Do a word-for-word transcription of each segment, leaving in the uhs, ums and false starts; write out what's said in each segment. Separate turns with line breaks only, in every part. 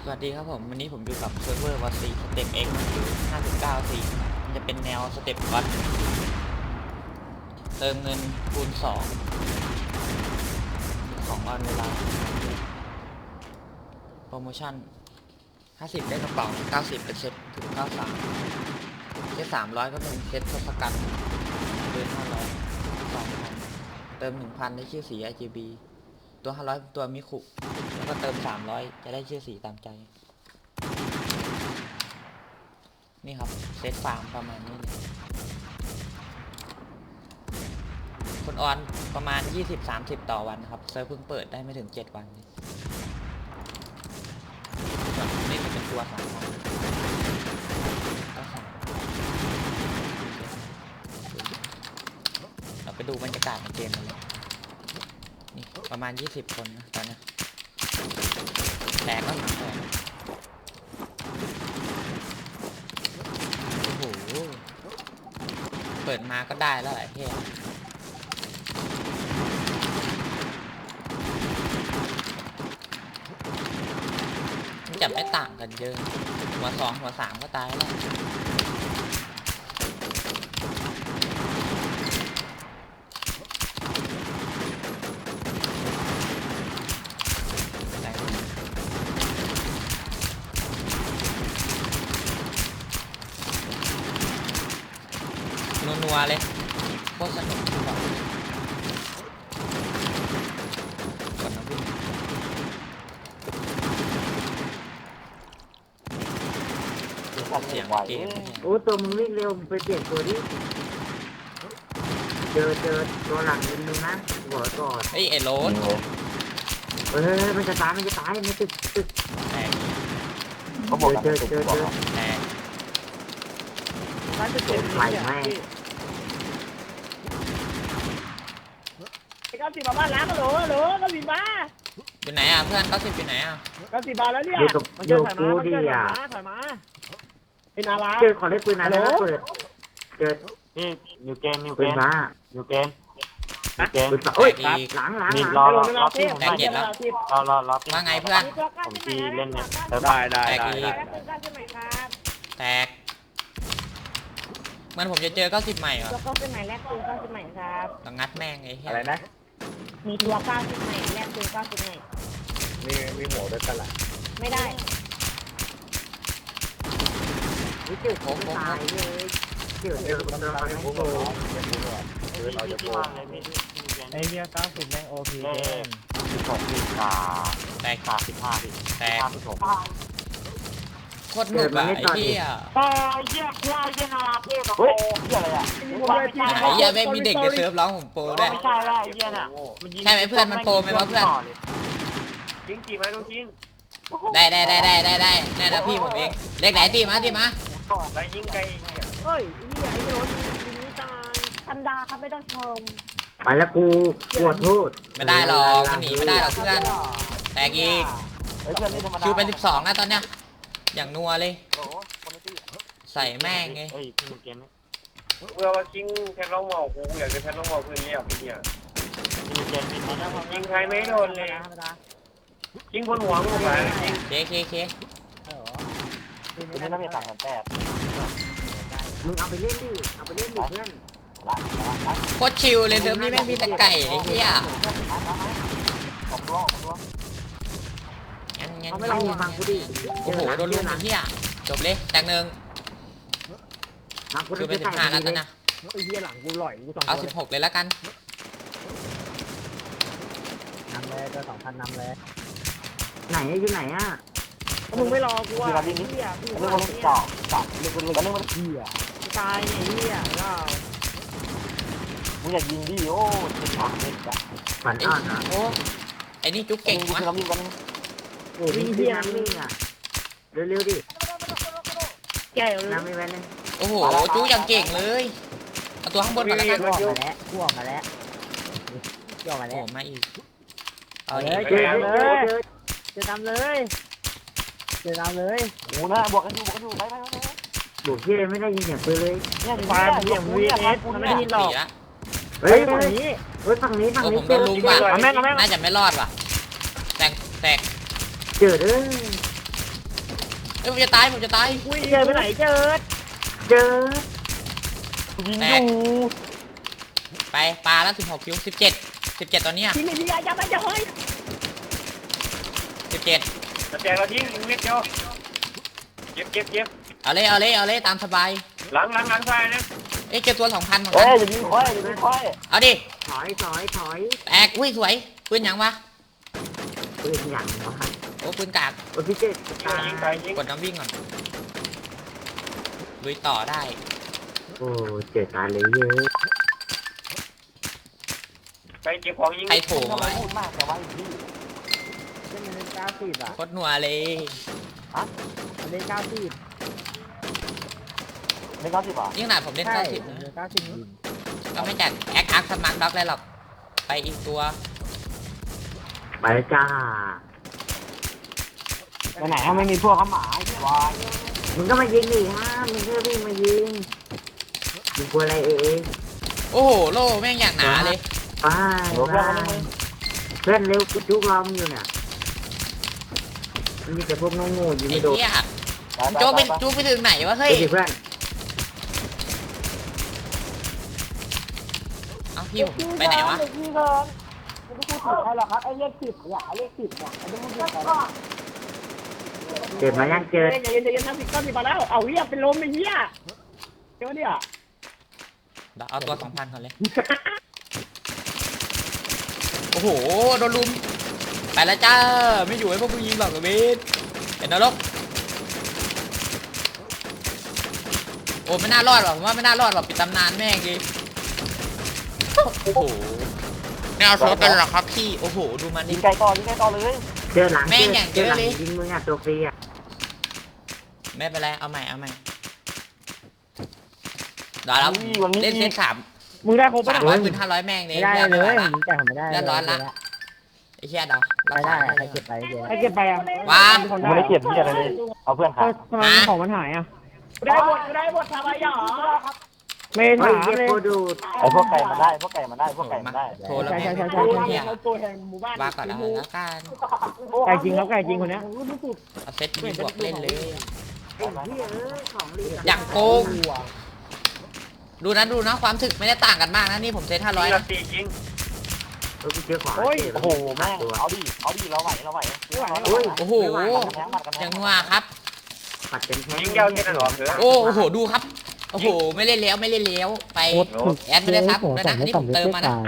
สวัสดีครับผมวันนี้ผมอยู่กับเซิร์ฟเวอร์วอซีสเต็ปเอ็กซ์อยู่ห้าสิบเก้าสี่มันจะเป็นแนวสเต็ปวัดเติมเงินคูณสองของออนเวลาโปรโมชั่นห้าสิบได้กระเป๋าเก้าสิบเป็นเซ็ตถึงเก้าสิบสามเซ็ตสามร้อยก็เป็นเซ็ตทศกัณฐ์เดินห้าร้อยสองพันเติมหนึ่งพันได้ชื่อสี อาร์ จี บี ตัวห้าร้อยตัวมิคุแล้วก็เติมสามร้อยจะได้ชื่อสีตามใจนี่ครับเซตฟาร์มประมาณนี้เลยคนออนประมาณ ยี่สิบถึงสามสิบ ต่อวันครับเซิร์ฟเพิ่งเปิดได้ไม่ถึงเจ็ดวันนี่จะเป็นตัวสามพันเราไปดูบรรยากาศในเกมกันเลยนี่ประมาณยี่สิบคนนะตอนนี้แตกก็หนักเลยโอ้โหเปิดมาก็ได้แล้วแหละเฮ้ยจะไม่ต่างกันเยอะหัวสองหัวสามก็ตายแล้วนัวๆเลยโคตรสนุกบอกก่อนนะพี่เสียงเกม
โอ้ตัวมึงวิ่งเร็วมึงไปเปลี่ยนตัวดิเจอเจอตัวหลังนิดนึงนะหัวก่อน
เฮ้ยไอ้โรส
เฮ้ยมันจะตายมันจะตายมันตึกตึก
แตก
เขาบอกเจอเจอเจอ
แตก
ร้านจะเจ็บไหมไหม
เก้าสิบมาบ้านล้างก็โหลโหลเก้าสิบมา
อยู่ไหนอ่ะเพื่อนเก้าสิบอยู่ไหนอ่ะ
เก้าสิบมาแล้วเนี่ย
มันเจอถอยมาถอยมา
ถอยมาเป็นอะไร
เจอขอเล่นปืนอะไรนะเปิดเจอ
นี่นิวเกมนิวเก
ปืน
ม
มา
นิวเกมนิวเกม
ปืนโอ้ยหลังหลัง
นี่
หลัง
รอรอรอพี่ผม
แต
หน่
ก
อย
เจ็ดแล้ว
รอรอรอพี่
ว่าไงเพื่อน
ผมทีเล่นเนี่ย
ได้ได้
แตก
ได้
อีกแตกมันผมจะเจอเก้าสิบใหม่เหรอ
ตัวเก้าสิบใหม่แลกปืนเก้าสิบใหม่ครับ
ต้องงัดแม่งไอ้เหี้ย
อะไรนะ
มีตัวเก้าสิบใหม่แลกปืนเก้าสิบใหม่
มีมีหัวด้วยกันแหละ
ไม่ได้
นี่เจอผมตายเลยเจอเจอตัวอะไรโอ้โห
เราจะโกง
ไอเนี้ยเก้าสิบแม่งโอพี
เล่นสิบหกสิบสาม
แตก
สามสิบห้าสิบ
แตก
ห้าสิบหก
โคตรหนุกอ่ะไอ้เหี้ย
โอ้ยเยี่ยมควายเยี่ยมนาเท่กับโอ้ยเยี่ยอะไรอ่ะ
ไอ้เหี้ยแม่งมีเด็กในเซิร์ฟร้องผมโปรด้วย
ไม่ใช่แล้วไอ้เยี่ยน่ะ
ใช่ไหมเพื่อนมันโปรไหมวะเพื่อน
จริงจริงไหมต้องจริง
ได้ได้ได้ได้ได้ได้ได้นะพี่ผมเองเล็กไหนตีมาตีมา
ไปยิงไกล
เฮ้ยนี่ไอ้โรสยิงนี่ตายธรรมดาครับไม่ต้องชม
ไปแล้วกูปวดโทษ
ไม่ได้หรอกมันหนีไม่ได้หรอกเพื่อนแตกอีก
เฮ้ยเพื่อนนี่ธรรมดา
คิวเป็นสิบสองแล้วตอนเนี้ยอย่างนัวเลยใส่แม่งไง
เฮ้ยพี่เกมนี้
เพื่อว่ากิ้งแพทล้องหมอกกูอยากจะแพทล้องหมอกเพื่อนเรียกพี่เนี่ย
พี่เกมมีคนนะ
ยิงใครไม่โดนเลย
ธรรมดา
ยิงคนหัวมึงไปยิง
เคเคเค
คุณไม่ต้องมีต่างกันแต้ม
มึงเอาไปเล่นดิเอาไปเล่นดิเพื่อน
โคตรชิลเลยเซิร์ฟนี้แม่งมีแต่ไก่ไอ้เหี้ย
ผมรู้ผมรู้
งั้นงั้น
เขาไม่ลองฟังกูดิ
โอ้โหโดนลุมไอ้เหี้ยจบเลยแตกหนึ่ง
ฟังกู
คิวเป็นสิบ
ใส่
ห้าแล้วตอนเนี้ย
ไอ้เหี้ยหลังกูหล่อยกูสอง
เอาสิบหกเลยแล้วกัน
นำเลยตัวสองพันนำเลย
ไหนอยู่ไหนอ่ะ
มึงไม่รอกูอ่ะ
คือเราดิ้น
เหี้ยพี่
เรื่อง
ว่า
มัน
เนี่ย
ต่อต่อเรื่องมันเรื่องมัน
เหี้ยตายเนี่ยเหี้ยก็
มึงอยากยิงดิโอ้เจ็บปากเจ็บปาก
ฝันอ่อนอ่ะ
โอ้ไอ้นี่จุ๊กเก่ง
มึง
วะ
เรายิงกัน
โอ้วิ่งที่น้ำนี่อ่ะเร็วๆดิ
แก่เลย
น้ำไม่แว้นเลย
โอ้โหจุ๊กยังเก่งเลยเอาตัวข้างบนก่อนแล้วกัน
พวกมาแล้วพวกมาแล้วพวกมา
โอ้
แล้ว
มาอีกเอา
เฮ้
อี
ย
ก
เจอเจอเจอ
จะทำเลยจะทำเลย
โอ้นะบวกกันอยู่บวกกันอยู่ไปไปไป
บุกที่ไม่ได้ยินเสียงปืนเลย
เนี่ย
ฟาร์มเหี้ยวีเอสมันไม่ได้ยินหรอก
สี่ละ
เฮ้ย
ฝั่งนี้
เฮ้ยฝั่งนี้ฝั่ง
โอ้
นี้
ผมโดนลุมว่ะ
เอาแม่งเอาแม่ง
น่าจะไม่รอดว่ะแตกแตก
เจอเด้อ
เอ้ยผมจะตายผมจะตาย
อุ้ยเจอไปไหนเจอ
เจอ
ยิงอยู่
ไปปลาแล้วสิบหกคิวสิบเจ็ดสิบเจ็ดตอนเนี้ย
ที่นี่ที่ยาจะไปจะเฮ้ย
สิบเจ็ด
แต่แจกเราทิ้งนิดเดียวเก็บเก็บเก็บ
เอาเลยเอาเลยเอาเลยตามสบาย
หลังหลังหลังซ้ายนะ
เอ้ยเจอตัวสองพันเหมือน
เอ้
กั
ย
น
อย่ายิงค่อยอย่ายิงค่อย
เอาดิ
ถอยถอยถอย
แตกอุ้ยสวยปืนหยังวะ
ปืนอย่างวะ
โอ้ปืนกาก
โอ้พี่เจ็ดตาย
ยิงไปยิง
กดน้ำวิ่งก่อนลุยต่อได้
โอ้เจ็ดตายเลยเยอะ
ไปเก็บของยิง
ใครโถ
ทำไม
มา
พูดมากแต่ว่าพี่
เล่นเก้าสิบอ่ะ
โคตรนัวเลย
เล่นเก้าสิบ
ไม่เก้าสิบอ่ะ
นี่ขนาดผมเล่น
ใช่
เก้าสิบนะ
เก้าสิบ
ก็ไม่จัดแอคอาร์คสมาร์ทด็อกเลยหรอกไปอีกตัว
ไปแล้วจ้า
ไปไหนไม่มีพวกเขาหมาไอ้วาย
มึงก็มายิงดิฮะมึงก็วิ่งมายิงมึงกลัวอะไรเอง
โอ้โหโล่แม่งอย่างหนาเลย
ไปไปเพื่อนเร็วกูจุกล้อมอยู่เนี่ยมันมีแต่พวกโง่ๆอยู่
ไอ้
ไม่โดน
เหี้ยโจ๊กไปโจ๊กไปถึงไหนวะ
ไป
เฮ้ย
ดิเพื่อน
เอ้าพี่ผมไปไหนวะ
เด็กพี่เกินไม่ได้พูดถึงใครหรอกครับไอ้เลขสิบเนี่ยไอ้เลขสิบเนี่ยไอ้เลขสิบเนี่ย
เจ็บมายังเจอ
เฮ้ยใจเย็นใจเย็นนะสิบเก้าสิบมาแล้วเอาเหี้ยเป็นลมไอ้เหี้ยเจ้าเนี่ย
เดี๋ยวเอาตัวสองพันก่อนเลย โอ้โห โดนลุม ไปแล้วจ้า ไม่อยู่ให้พวกมึงยิงหรอกเบสเห็นนรกโอ้ไม่น่ารอดหรอกผมว่าไม่น่ารอดหรอกปิดตำนานแม่งดิโอ้โหไม่เอาโซดกันหรอครับพี่ โอ้โห ดูมัน
ยิ
ดิ
งไกลต่อยิงไกลต่อเลย
เจอหลัง
แม่งอย่างเยอะเลย
ยิงมึงอ่ะตัวฟรีอ่ะ
ไม่เป็นไร เอาใหม่ เอาใหม่เดี๋ยวเราเล่นเซตสาม
มึงได้ครบปะ
สามร้อยปืนห้าร้อยแม่งเลย
ไม่ได้
รีก
เล
ม่หวย ละ
แต่ผมไม่ได้
เรียบร้อยละ ไอ้เหี้ยเดา
ไม่ได้ใครเก็บไปเดี๋ยว
ใครเก็บไปอ่ะ
ว้า
ไม่ได้เก็บที่อะไรเลยเอาเพื่อนขา
ทำไมของมันหายอ่ะ
ได้หมดได้หมดทำไมหรอ
ไม่
เฮ้ย
ถาม
เย็บ
เลย
โคดู
ไอ้พวกไก่มันได้พวกไก่มันได้พวกไก่มันได้
โทรแล้วแม่ง
ใช่ใช่ใช่
เหี้ย
ตัวแห่งหมู่บ้าน
ว่าก่อนอะไรแล้วกัน
ไก่จริงแล้วไก่จริงคนเนี้ย
เอาเซตมีบวกเล่นเลย
ไอ้เหี้ยเอ้ยของรีบ
อย่างโกง ดูนะดูนะความถึกไม่ได้ต่างกันมากนะนี่ผมเซตห้าร้อย
ยิง
นะ
ตียิง
เออกูเจอของ
โอ้โหแม่งเอาดิเอาดิเราไหวเราไหว
โอ้โห
แทงมันกัน
อย่างนัวครับ
ปัดเป็นแท้
ยิงยาวแค่นั้นหรอเถอะ
โอ้โหดูครับโอ้โหไม่เล่นแล้วไม่เล่นแล้วไปแอดไม่ได้ซับด้วยนะนี่ผมเติมมานะ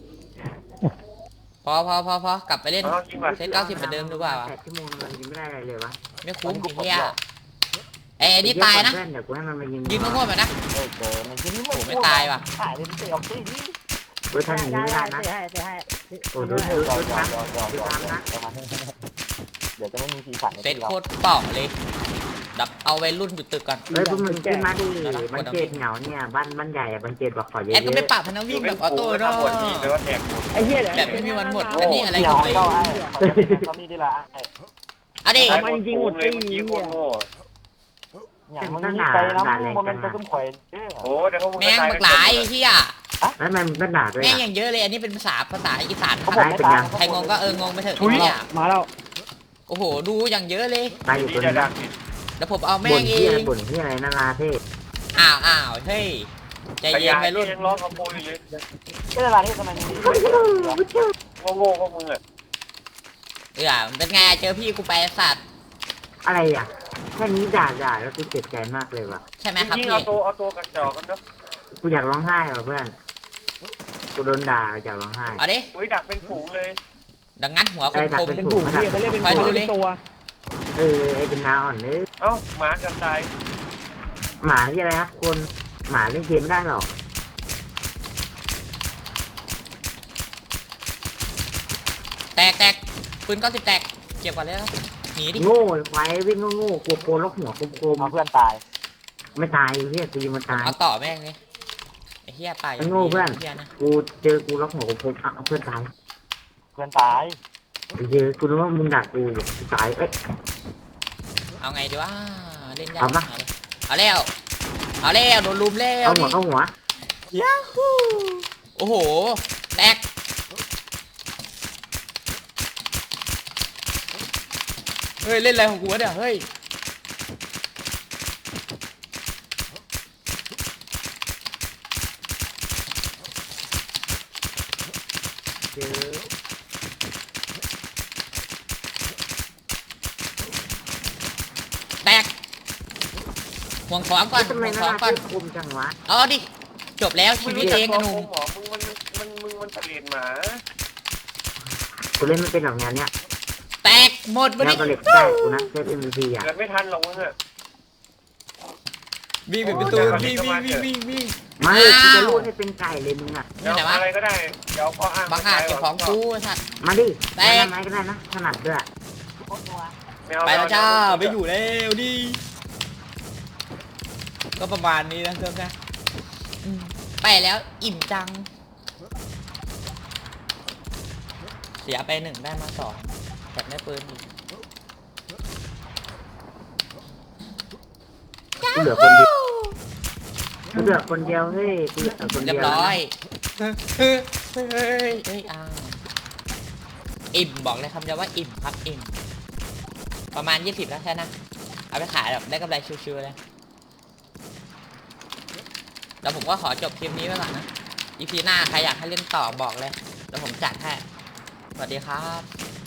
พอพอพอพอกลับไปเล่น
เอายิงมา
เซตเก้าสิบเหมือนเดิมดีกว่าวะ
แปดชั่วโมงมันยิงไม่ได้อะไรเลยวะ
ไม่คุ้มไอ้เหี้ยไอ้ไอ้นี่ตายนะ
เพื่อนเดี๋ยวกูให้มันมายิง
ยืนโง่ๆแบบนะ
เออเจอมันยิง
โอ้โหไม่ตายว่ะ
หายเลยเตะออกที่นี่
เว้ยท่านหนีไม่ได้นะ
ให้ให้ให้
โอ้ดูดู
ยอ
ดู
มยอ
ทั
ม
ก
ยอมยอมยอมเดี๋ยวจะไม่มีสีสัน
เซตโคตรเป่องเลยดับเอาไว้รุ่นอยู่ตึกก่อน
เฮ้ยพวกมึงขึ้นมาดิบันเจิดเหงาเนี่ยบ้านบ้านใหญ่อะบันเจิดบอกขอเยอะ
แอดก็ไม่
ๆ
ปรับพนักวิ่งแบบออโต้เนาะ
ปวดทีเลยว่าแตก
ไอ้เหี้ย
แบบไม่มีวันหมด
โอ้
อัน
ย
นี้อะไร
เห
ข
นี
อ
ยว
งไป
เข้าให้เขามีดีละ
เอาดิ
เลยเมื่อกี้โคตรโง่
อย่างมันมีไปนะมันเป็นตัวตุ้มข่อย
โอ้เดี๋ยวเขา
แม่งบักหลายไอ้เหี้ย
แล้วมันก็ด่าด้วย
แม่ง
อะ
อย่างเยอะเลยอันนี้เป็นภาษาภาษาอีสานค
เขา
รับ
บอกไม่ตาย
ใครงงก็เอองงไปเถอะไอ้เหี้ย
มาแล้ว
โอ้โหดูอย่างเยอะเลย
ตายอยู่
ดี
คน
จะ
นึง
ดัก
แล้วผมเอาแม่
บ่น
งเอ
ที่อะไร
ง
บ่นที่อะไรนาราเทพ
อ้าวอ้าวเฮ้ยใจ
ข
เย็น
ยาย
ไปรุ่น
ยังร้องขโมยอยู่เลย
ก็เวลาที่ทำไมมี
โง่ๆพวกมึงอ่ะ
เออเป็นไงเจอพี่กูไปสัตว์
อะไรอ่ะแค่นี้ด่าด่าแล้วกูเจ็บใจมากเลยว่ะ
ใช่ไหมครับ
ยิง
พี่
เอาตัวเอาตัวกระจอกกันเนาะ
กูอยากร้องไห้ว่ะเพื่อนกูโดนด่าอยากร้องไห้
เอาดิ
อุ้ยดักเป็นฝูงเลย
ดังงั้นหัวคมคม
เป็นกลุ่มพี่เขาเรียกเป็นกลุ่มเป็นตัว
เออไอ้เป็นนาอ่อนเนื้อ
เอ้าหมากันตาย
หมาที่อะไรครับคนหมาเล่นเกมไม่ได้หรอก
แตกแตกปืนเก้าสิบแตกเก็บก่อนเลยนะหนีดิ
โง่ไว้วิ่งโง่ๆกลัวโกนแล้วหัวโกม
เอาเพื่อนตาย
ๆไม่ตายเฮียตีมันตาย
เอาต่อแม่งเลยไอ้เหี้ยไป
ไอ้โง่เพื่อน
เหี้ยนะ
กูเจอกูแล้วหัวโกมๆอ่ะเอาเพื่อนตาย
เพื่อนตาย
เจอกูรู้ว่ามึงด่ากูบอกกูตายเอ้ย
เอาไงดีวะเล่นยาก
เอาปะ
เอาแล้วเอาแล้วโดนลุมแล้ว
เอาหัวเอาหัว
ยาฮูโอ้โหแตกเฮ้ยเล่นอะไรของกูวะเนี่ยเฮ้ยห่วงของก่อน
ทำไม
ห่วง
มัน
ของก่อน
น่าคุมจังวะ
เอาดิจบแล้วชีวิตเองอะหนุ่ม
หมอมึงมันมันมึงมันเปลี่ยนหมา
กูเล่นไม่เป็นหรอกงานเนี้ย
แตกหมดวัน
แล้ว
นี้
ก็เล็กได้กูนะเซฟเอ็มวีพีอ่ะ
เกิดไม่ทันหรอกมึงอะ
วิ่งปิดประตูวิ่งวิ่งวิ่งวิ่งวิ่ง
ไม่กูจะรูดให้เป็นไก่เลยมึงอ่ะ
เดี๋ยวอะไรก็ได้เดี๋ยวข้ออ้าง
บางอาจเก็บของกูไอ้สัตว์
มาดิ
แต
ได้
ก
ไหมก็ได้นะถนัดด้วย
ไปแล้วจ้าไปอยู่แล้วดิก็ประมาณนี้นะเพื่อนนะอืมไปแล้วอิ่มจัง เสียไปหนึ่งได้มาสองแถมได้ปืนอีก
กูเหลือคนเดียวกูเหลือคนเดียวเฮ้ยกูเหลือคน
เรี
เดี
ย
ยว
บร้อยเฮ้ยเฮ้ยเฮ้ยเฮ้ยอ้าวอิ่มบอกเลยคำเดียวว่าอิ่มครับอิ่มประมาณยี่สิบแล้วใช่นะเอาไปขายแบบได้กำไรชิวๆเลยแล้วผมก็ขอจบคลิปนี้ไว้ก่อนนะ อี พี หน้าใครอยากให้เล่นต่อบอกเลยแล้วผมจัดให้สวัสดีครับ